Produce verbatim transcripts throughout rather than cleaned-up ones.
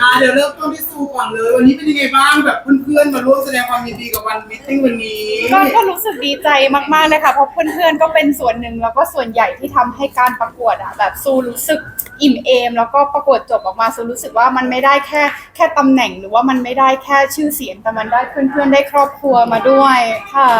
เดี๋ยวเริ่มต้นที่ซูก่อนเลยวันนี้เป็นยังไงบ้างแบบเพื่อนๆมาร่วมแสดงความยินดีกับวันมิทติ้งวันนี้ก็ก็รู้สึกดีใจมากๆเลยค่ะเพราะเพื่อนๆก็เป็นส่วนหนึ่งแล้วก็ส่วนใหญ่ที่ทำให้การประกวดอ่ะแบบซูรู้สึกอิ่มเอมแล้วก็ประกวดจบออกมาซูรู้สึกว่ามันไม่ได้แค่แค่ตำแหน่งหรือว่ามันไม่ได้แค่ชื่อเสียงแต่มันได้เพื่อนๆได้ครอบครัวมาด้วยค่ะ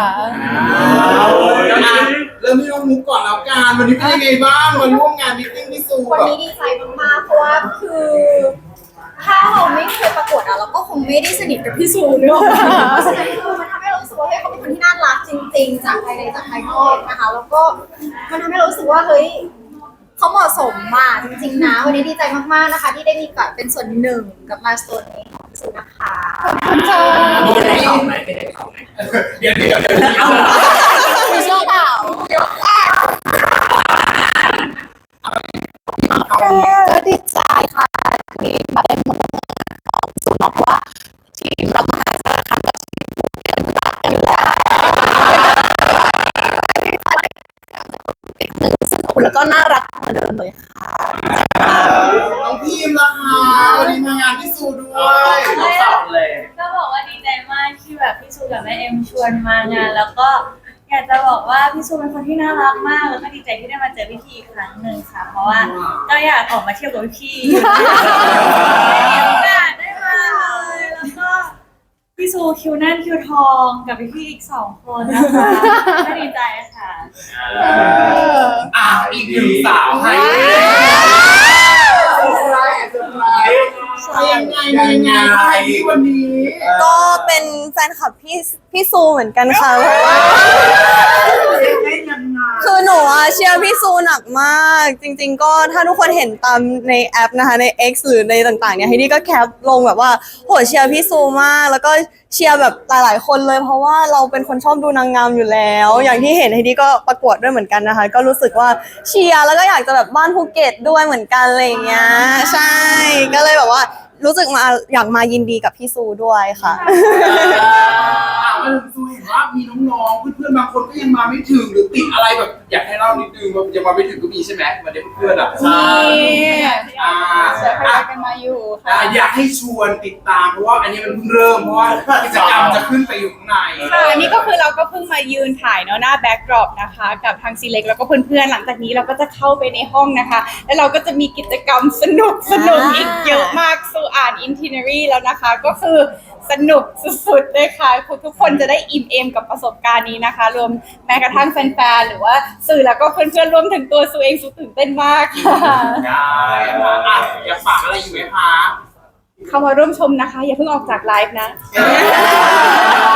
เริ่มที่น้องมุกก่อนแล้วกันวันนี้เป็นยังไงบ้างมาร่วมงานมิทติ้งที่ซูวันนี้ดีใจมากๆเพราะว่าคือถ้าเราไม่เคยประกวดอะเราก็คงไม่ได้สนิทกับพี่ซูเนอะเพราะฉะนั้นคือมันทำให้เรารู้สึกว่าเฮ้ยเขาเป็นคนที่น่ารักจริงๆจากภายในจากภายนอกนะคะแล้วก็มันทำให้เรารู้สึกว่าเฮ้ยเขาเหมาะสมมากจริงๆนะวันนี้ดีใจมากๆนะคะที่ได้มีแบบเป็นส่วนหนึ่งกับมาสโตนนี้ของพี่ซูนะคะขอบคุณค่ะไม่ได้ของไหมไม่ได้ของไหมเดี๋ยวเดี๋ยวเดี๋ยวมีเชื่อเปล่าก็ดีใจค่ะที่มาได้มาของสุนทรเพราะว่าทีมเรามหาสารคามกับทีมภูเก็ตรักกันแล้วหนึ่งสนุกแล้วก็น่ารักเหมือนเดิมเลยค่ะน้องพิมพ์นะคะวันนี้มางานที่ซูด้วยสอบเลยก็บอกว่าดีใจมากที่แบบพี่ซูกับแม่เอ็มชวนมางานแล้วก็อยากจะบอกว่าพี่ซูเป็นคนที่น่ารักมากแล้วก็ดีใจที่ได้มาเจอพี่พีอีกครั้งหนึ่งค่ะเพราะว่าก็อยากออกมาเที่ยวกับพี่พีไม่มีโอกาสได้มาเลยแล้วก็พี่ซูคิวแน่นคิวทองกับพี่พีอีกสองคนนะคะก็ดีใจค่ะอ่ะอีกหนึ่งสาวให้เซอร์ไพรส์เซอร์ไพรส์ยังไงยังไงใครที่วันนี้ก็เป็นแฟนคลับพี่พี่ซูเหมือนกันค่ะเพราะว่าคือหนูอะเชียร์พี่ซูหนักมากจริงๆก็ถ้าทุกคนเห็นตามในแอปนะคะใน X หรือในต่างๆเนี่ยไฮดี้ก็แคปลงแบบว่าโหเชียร์พี่ซูมากแล้วก็เชียร์แบบหลายๆคนเลยเพราะว่าเราเป็นคนชอบดูนางงามอยู่แล้ว อย่างที่เห็นไฮดี้ก็ประกวดด้วยเหมือนกันนะคะก็รู้สึกว่าเชียร์แล้วก็อยากจะแบบบ้านภูเก็ตด้วยเหมือนกันอะไรอย่างเงี้ยใช่ก็เลยแบบว่ารู้สึกมาอยากมายินดีกับพี่ซูด้วยค่ะมันซูเห็นว่ามีน้องๆเพื่อนๆบางคนก็ยังมาไม่ถึงหรือติดอะไรแบบอยากให้เล่านิดนึงว่ายังมาไม่ถึงก็มีใช่ไหมวันนี้เพื่อนๆอ่ะมีอ่าเสือพยายกันมาอยู่ค่ะอยากให้ชวนติดตามเพราะว่าอันนี้มันเพิ่งเริ่มเพราะว่ากิจกรรมจะขึ้นไปอยู่ข้างในค่ะอันนี้ก็คือเราก็เพิ่งมายืนถ่ายเนาะหน้าแบ็กดรอปนะคะกับทางซีเล็กแล้วก็เพื่อนๆหลังจากนี้เราก็จะเข้าไปในห้องนะคะแล้วเราก็จะมีกิจกรรมสนุกสนุกอีกเยอะมากสู่อ่านอินทิเนอรี่แล้วนะคะก็คือสนุกสุดๆเลยค่ะทุกคนจะได้อิ่มเอมกับประสบการณ์นี้นะคะรวมแม้กระทั่งแฟนๆหรือว่าสื่อแล้วก็เพื่อนๆรวมถึงตัวซูเองซูตื่นเต้นมากค่ะได้ค่ะอ่ะอยากฝากอะไรอยู่ไหมคะเข้ามาร่วมชมนะคะอย่าเพิ่งออกจากไลฟ์นะ